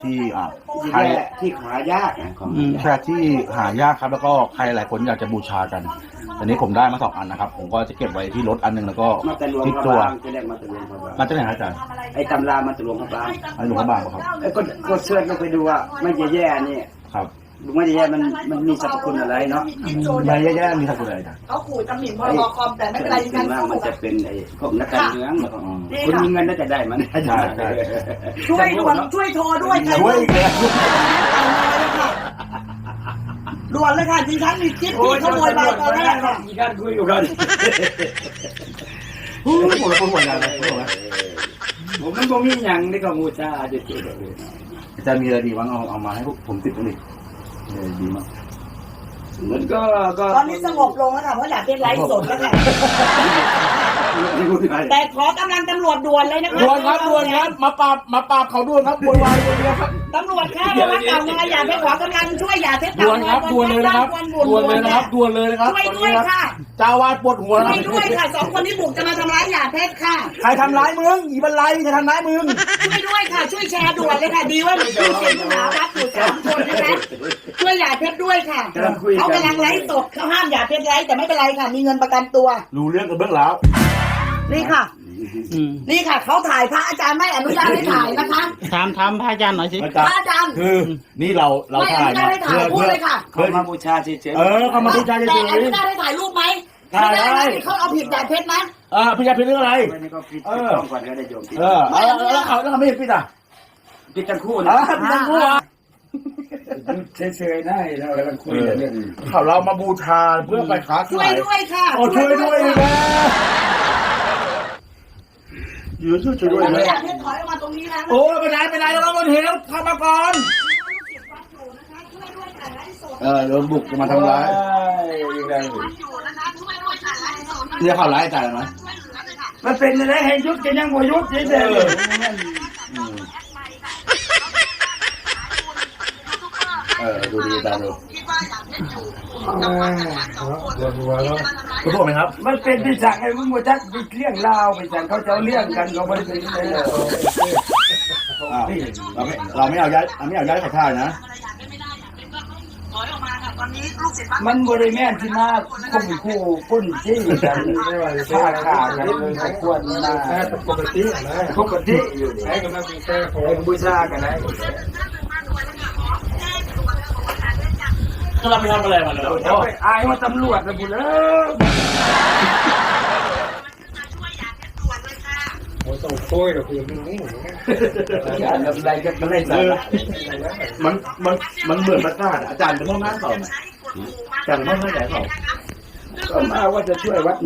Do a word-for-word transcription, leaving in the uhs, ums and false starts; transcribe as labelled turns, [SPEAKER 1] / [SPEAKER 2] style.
[SPEAKER 1] ที่อ่าใคร
[SPEAKER 2] ที่หายากนะของ
[SPEAKER 1] ใช่ที่หายากครับแล้วก็ใครหลายคนอยากจะบูชากันอันนี้ผมได้มาสองอันนะครับผมก็จะเก็บไว้ที่รถอันหนึ่งแล้วก็ที่ตัว
[SPEAKER 2] จะเรียกมาตะลวงพระบาง
[SPEAKER 1] มาจากไหนอาจารย์
[SPEAKER 2] ไอ้ตำรามาตะลวงพระบาง
[SPEAKER 1] ไอ้หลวงพระบางครับ
[SPEAKER 2] ไอ้ก็ก็เสิร์ชไปดูว่าไม่แย่ๆนี่
[SPEAKER 1] ครับ
[SPEAKER 2] ไม่แย่มันมันมีสรรพคุณอะไรเนาะ
[SPEAKER 1] ไม่แย่ๆมีสรรพคุณอะไรอาจารย์
[SPEAKER 3] เขาขู่ตำหนิพรบคอมแต่ไม่เป็นไรกัน
[SPEAKER 2] มันจะเป็นไอ้พวกนักการเมืองคุณมีเงินน่าจะได้มัน
[SPEAKER 1] ใช่ใช่
[SPEAKER 3] ช่วยด่วนช่วยโทรด้วย
[SPEAKER 1] ช่วยเลย
[SPEAKER 3] ด่วนเลยค่ะดิฉันมีคลิปที่ขโมยไปตอนแรกค่ะ
[SPEAKER 2] มีการคุยอยู่กัน
[SPEAKER 1] ผมเลยคนหัวใจเลย
[SPEAKER 2] ผมมันก็มีอย่างในกมูชาจะเจอ
[SPEAKER 1] อาจารย์มีอะไรดีบ้างเอาเอามาให้ผมติดกันดิดีมาก
[SPEAKER 2] มันก็ก็
[SPEAKER 3] ตอนนี้สงบลงแล้วค่ะเพราะอยากเป็นไลฟ์สดแล้วค่ะแต่ขอกำลังตำรวจด่วนเลยนะคะ
[SPEAKER 1] ด่วนครับด่วนครับมาปราบมาปราบเขาด่วนครับด่วนวายด่วนเลยครับ
[SPEAKER 3] ตำรวจค่ะระวังเก่ามาอย่าไปขอกำลังช่วยอย่าเท็จ
[SPEAKER 1] ด่วนครับด่วนเลยนะครับด่วนเลยนะครับด่วนเลยนะครับ
[SPEAKER 3] ช่วยด้วยค่ะ
[SPEAKER 1] เจ้าวาดปวดหัว
[SPEAKER 3] ช่วยด้วยค่ะสองคนที่บุกจะมาทำร้ายอย่าเท็จค่ะ
[SPEAKER 1] ใครทำร้ายมึงอีบันไลใครทำร้ายมึง
[SPEAKER 3] ช่วยด้วยค่ะช่วยแชร์ด่วนเลยค่ะดีว่ามีผู้เสียหายวัดอยู่สามคนนะคะช่วยอย่าเท็จด้วยค่ะเขากำลังไลฟ์สดเขาห้ามอย่าเท็จไลฟ์แต่ไม่เป็นไรค่ะมีเงินประกันตัว
[SPEAKER 1] รู้เรื่องกันเบื้องแล้ว
[SPEAKER 3] นี่ค่ะนี่ค่ะเขาถ่ายพระอาจารย์ไม่อนุญาตให้ถ่ายนะคะ
[SPEAKER 4] ถามถามพระอาจารย์หน่อยสิ
[SPEAKER 3] พระอาจารย์
[SPEAKER 1] คือนี่เราเราถ่าย
[SPEAKER 3] เพื่อเพื่อ
[SPEAKER 2] เพื่อมาบูชาเฉยๆ
[SPEAKER 1] เออเขามาบูชาเฉยๆ
[SPEAKER 3] แต่อนุญาตให้ถ่ายรูปไหมถ่ายได้เขาเอาผิดอย่าเท็จนะ
[SPEAKER 1] เออผิดอย่าเท็จเรื่องอะไร
[SPEAKER 2] เออก่อนก็ได้โยม
[SPEAKER 1] เออแล้วเขาแล้วเขาไม่ผิดอ่ะ
[SPEAKER 2] ผิดทั้งคู่
[SPEAKER 1] นะผิดทั้งคู่อ่ะ
[SPEAKER 2] เฉยๆได้เรากำลังคุยเรื่อง
[SPEAKER 1] เขาเรามาบูชาเพื่อไปค้าขาย
[SPEAKER 3] ช่วยด้วยค่ะ
[SPEAKER 1] โอ้ช่วยด้วยนะยืนช่วยช่วยด้วยนะ
[SPEAKER 3] อยากให้ถอยออกมาตรงนี้นะ
[SPEAKER 1] โอ้ไม่ได้ไม่ได้เราต้องเห็นเข้ามาก่อนเออโดนบุกมาทำร้ายเรียกเขาร้ายใจไหม
[SPEAKER 2] มันเป็นอะไรให้ยุบจะยังบ่ยุบเฉยๆ
[SPEAKER 1] เออดูดีตาดูคุณบอกไหมครับ
[SPEAKER 2] มันเป็นที่สั่งไอ้มึงมาจักเรื่องลาวไปสั่งเขาจะเรื่องกันเขาไม่ได้เลย
[SPEAKER 1] เราไม่เราไม่เอาย้ายไม่เอาย้ายขอท่านะ
[SPEAKER 2] มันบริแม่นที่มาคุ้มคู่ปุ้นที่กันฆ่าฆ่ากันควรนะปกตินะปกติอยู่นี่ให้กำลังเป็นแค่ของบูชากันนะ
[SPEAKER 1] เราไม่ทำอะไรมาเลย
[SPEAKER 2] อายว่าตำรวจนะบุญเอ้ยต้องโค้ยนะคุณนี่อย่าทำอะไรกันไม่ได้
[SPEAKER 1] มันมันมันเหมือนประกาศอาจารย์จะต้องนั่งต่ออาจารย์ต้องนั่งไหนต่อ
[SPEAKER 2] ก็มาว่าจะช่วยวัด